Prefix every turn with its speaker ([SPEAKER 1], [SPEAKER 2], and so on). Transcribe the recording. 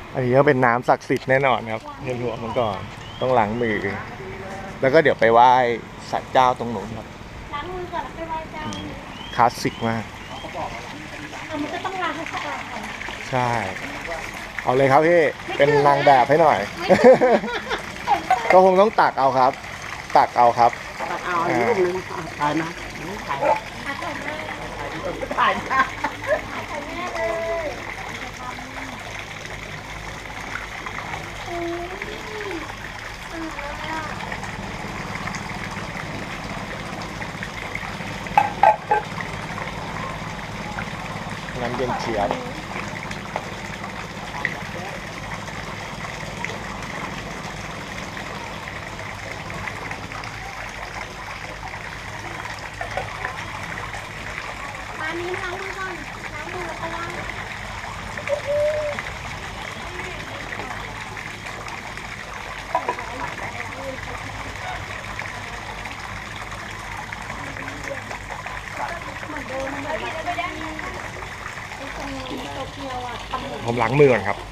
[SPEAKER 1] อันนี้ก็เป็นน้ำศักดิ์สิทธิ์แน่นอนครับเห็นหัวมันก่อนต้องล้างมือ แล้วก็เดี๋ยวไปไหว้ศาลเจ้าตรงนู้นครับ
[SPEAKER 2] ล้างมือก่อนแล้วไปไหว้เจ้า
[SPEAKER 1] คลาสสิกมาก
[SPEAKER 2] มันก็ต้องล้างให้สะอาดก่อน
[SPEAKER 1] ใช่เอาเลยครับพี่เป็นนางแบบให้หน่อย ก็คงต้องตักเอาครับ ตักเอาครับ
[SPEAKER 3] ตักเอาลูกนึงถ่ายนะถ่ายถ่ายนะ
[SPEAKER 1] น้ำเย็นเฉียบ
[SPEAKER 2] มานี้ล้างมือก่อนล้างมือแล้วก็ล้าง
[SPEAKER 1] ผมล้างมือก่อนครับ